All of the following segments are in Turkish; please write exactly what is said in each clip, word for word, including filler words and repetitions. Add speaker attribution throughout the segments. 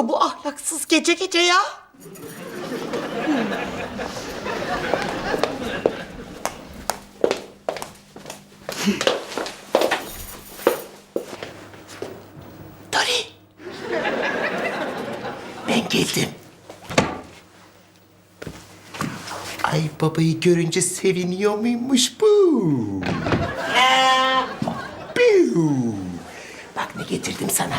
Speaker 1: yapıyor bu ahlaksız gece gece ya? Dolly. Ben geldim. Ay babayı görünce seviniyor muymuş bu? Piu. Bak ne getirdim sana.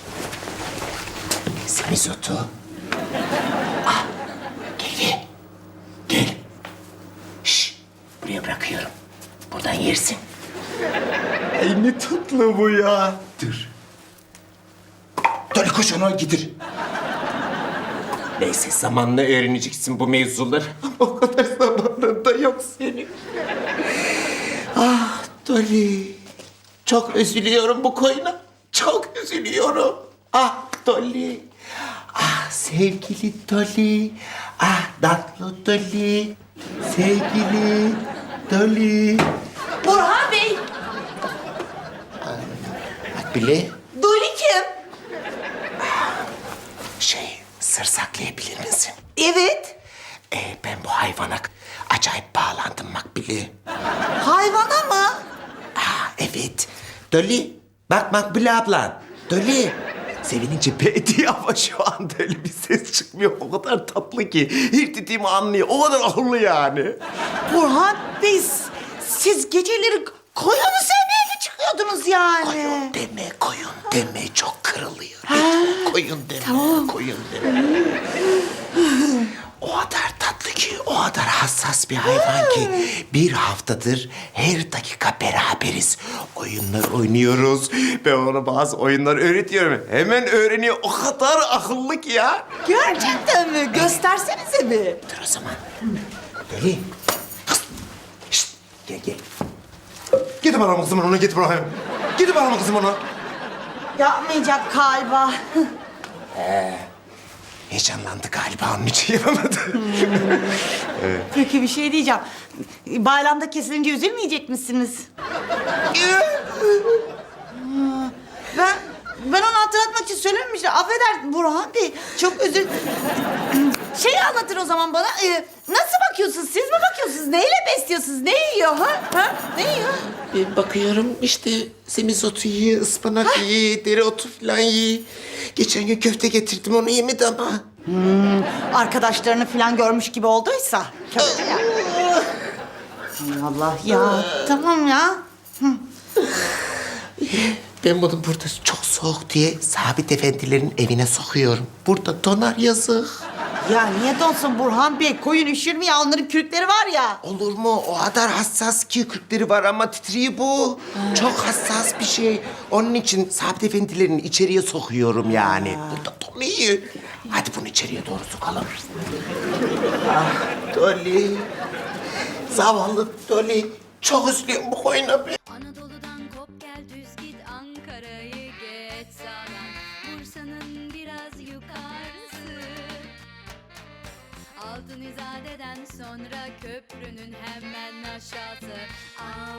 Speaker 1: Semizotu. Ah, gel gel. Gel. Şş, buraya bırakıyorum. Buradan yersin. Ay ne tatlı bu ya. Dur. Dolly koş onu getir. Neyse zamanla öğreneceksin bu mevzuları. O kadar zamanın da yok senin. Ah Dolly. Çok üzülüyorum bu koyuna. Çok üzülüyorum. Ah Dolly. Ah sevgili Dolly. Ah tatlı Dolly. Sevgili Dolly.
Speaker 2: Burhan Bey,
Speaker 1: Bak bile
Speaker 2: Dolly kim?
Speaker 1: şey sır saklayabilir misin?
Speaker 2: Evet.
Speaker 1: Ee, ben bu hayvana acayip bağlandım Makbule.
Speaker 2: Hayvana mı?
Speaker 1: Aa, evet. Dolly, bak Makbule ablan. Dolly. Sevinince be diye ama şu anda öyle bir ses çıkmıyor. O kadar tatlı ki. Her dediğimi anlıyor. O kadar akıllı yani.
Speaker 2: Burhan Bey, siz geceleri koyunu sevmeye mi çıkıyordunuz yani?
Speaker 1: Koyun deme, koyun deme. Çok kırılıyor. Koyun deme,
Speaker 2: tamam.
Speaker 1: koyun deme. O kadar tatlı ki, o kadar hassas bir hayvan ki bir haftadır her dakika beraberiz. Oyunlar oynuyoruz. Ben ona bazı oyunlar öğretiyorum. Hemen öğreniyor. O kadar akıllı ki ya.
Speaker 2: Gerçekten mi? Göstersenize bir.
Speaker 1: Dur o zaman. Dolly. Kız. Şşt. Gel gel. Gidin bana kızım onu, git bana. Gidin bana kızım onu.
Speaker 2: Yapmayacak galiba.
Speaker 1: Heyecanlandı galiba, onun için yapamadı.
Speaker 2: Peki bir şey diyeceğim. Bayramda kesilince üzülmeyecek misiniz? ben ben onu hatırlatmak için söylememiştim. Affeder Burhan Bey. Çok özür... Şeyi anlatın o zaman bana. Ee, nasıl bakıyorsunuz? Siz mi bakıyorsunuz? Neyle besliyorsunuz? Ne yiyor ha? Ha? Ne yiyor?
Speaker 1: Bir bakıyorum işte semizotu yiyor, ıspanak yiyor, dereotu falan yiyor. Geçen gün köfte getirdim, onu yemedi ama.
Speaker 2: Arkadaşlarını falan görmüş gibi olduysa. Kötü ya. Allah Allah ya. Tamam ya.
Speaker 1: Ben bunu burada çok soğuk diye Sabit efendilerin evine sokuyorum. Burada donar yazık.
Speaker 2: Ya niye donsun Burhan Bey? Koyun üşür mü ya? Onların kürkleri var ya.
Speaker 1: Olur mu? O kadar hassas ki kürkleri var ama titriyor bu. Çok hassas bir şey. Onun için Sabit efendilerin içeriye sokuyorum yani. Burada donuyor. Hadi bunu içeriye doğru sokalım. Ah Dolly. Zavallı Dolly. Çok üzülüyorum bu koyuna ben.
Speaker 3: Anadolu'dan kop gel düz git Ankara'yı geç sağdan Bursa'nın biraz yukarısı Altın İzade'den sonra köprünün hemen aşağısı. Aa,